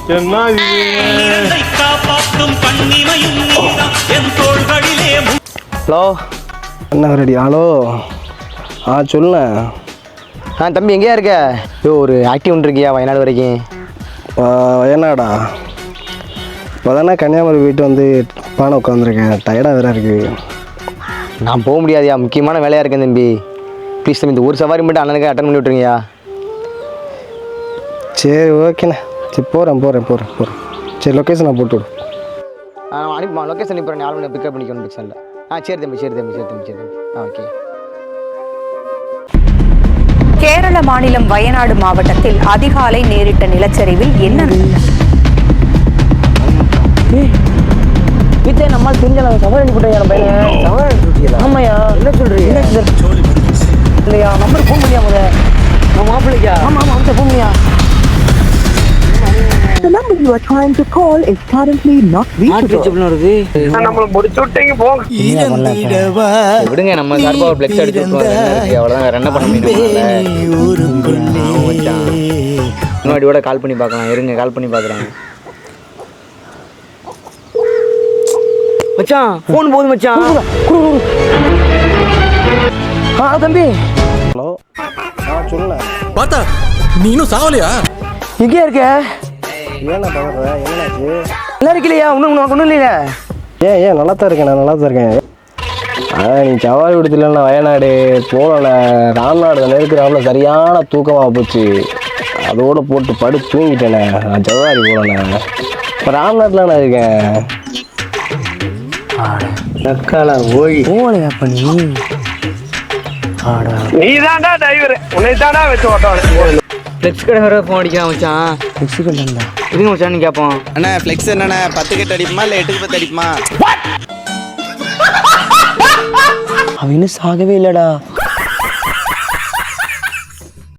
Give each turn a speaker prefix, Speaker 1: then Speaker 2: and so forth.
Speaker 1: என்ன
Speaker 2: ஹலோ
Speaker 3: என்ன ready? Hello, சொல்லுண்ணே.
Speaker 2: தம்பி எங்கேயா இருக்க? ஒரு ஆக்டிவ் ஒன்று இருக்கியா வயநாடு வரைக்கும்?
Speaker 3: வயநாடா? இப்போ தானே கன்னியாகுமரி போயிட்டு வந்து பானை உட்காந்துருக்கேன். டயர்டாக வேறு இருக்குது.
Speaker 2: நான் போக முடியாதுயா, முக்கியமான வேலையாக இருக்கேன் தம்பி. ப்ளீஸ் தம்பி, இந்த ஒரு சவாரி மட்டும் அண்ணனுக்கு அட்டன் பண்ணி விட்ருங்கய்யா.
Speaker 3: சரி, ஓகேண்ணே. சரி, போகிறேன். சரி, லொக்கேஷன் நான் போட்டு விடு.
Speaker 2: அனுப்பிமா, லொக்கேஷன் அனுப்பிடுறேன். 4 மணி பிக்கப் பண்ணிக்கணும் பிக்சனில். சரி தம்பி. ஓகே.
Speaker 4: கேரள மாநிலம் வயநாடு மாவட்டத்தில் அதிகாலை நேரிட்ட நிலச்சரிவில் என்ன
Speaker 2: வீட்டை நம்மால் தெரிஞ்ச சவால் அனுப்பிட்டேன் பையன். ஆமாய்யா, என்ன சொல்றீங்க? இல்லையா, நம்பர் ஃபோன் பண்ணியா முத மாப்பிள்ளைக்கா? ஆமாம் ஃபோன் பண்ணியா?
Speaker 5: The number you are trying to call is currently not reachable.
Speaker 1: நம்மள முடிச்சு விட்டீங்க போங்க.
Speaker 2: விடுங்க, நம்ம சார்பா ஒரு ஃப்ளெக்ஸ் அடிச்சு விட்டுருவோம். அவ்வளோதான், வேற என்ன பண்ண முடியும்? முன்னாடியோட கால் பண்ணி பார்க்கலாம். இருங்க, கால் பண்ணி பார்க்குறாங்க. மச்சான் ஃபோன் போகுது மச்சான். தம்பி.
Speaker 3: ஹலோ, சொல்லுண்ணே.
Speaker 6: பார்த்தா நீ இன்னும் சாவலையா?
Speaker 2: எங்கேயா இருக்க?
Speaker 3: ஏண்ணா பதற? என்னாச்சு?
Speaker 2: நல்லா இருக்கலையா? ஒன்றும் இல்லையா?
Speaker 3: ஏன் நல்லா தான் இருக்கேன். நீ சவாரி விடுத்துல வயநாடு போகல, ராம்நாடு தானே இருக்கிறாப்புல. சரியான தூக்கமாக போச்சு. அதோடு போட்டு படுத்து தூங்கிட்டேனே. நான் சவாரி போகலண்ணே. இப்போ ராம்நாட்டில் நான் இருக்கேன்.
Speaker 2: போகலையா பண்ணி?
Speaker 1: நீ தான்டா டிரைவர், உன்னை தான்டா வச்சு ஓட்டணும்.
Speaker 2: ஃப்ளெக்ஸ் கடை வர ஃபோன் அடிக்கிறான் மச்சான். ஃப்ளெக்ஸ் கடை இருங்க மச்சான், நீ கேட்போம்.
Speaker 6: அண்ணா ஃப்ளெக்ஸ் என்னண்ணா 10 கட்டு அடிப்புமா இல்லை 8க்கு 10 அடிப்புமா?
Speaker 2: அவன் இன்னும் சாகவே இல்லைடா.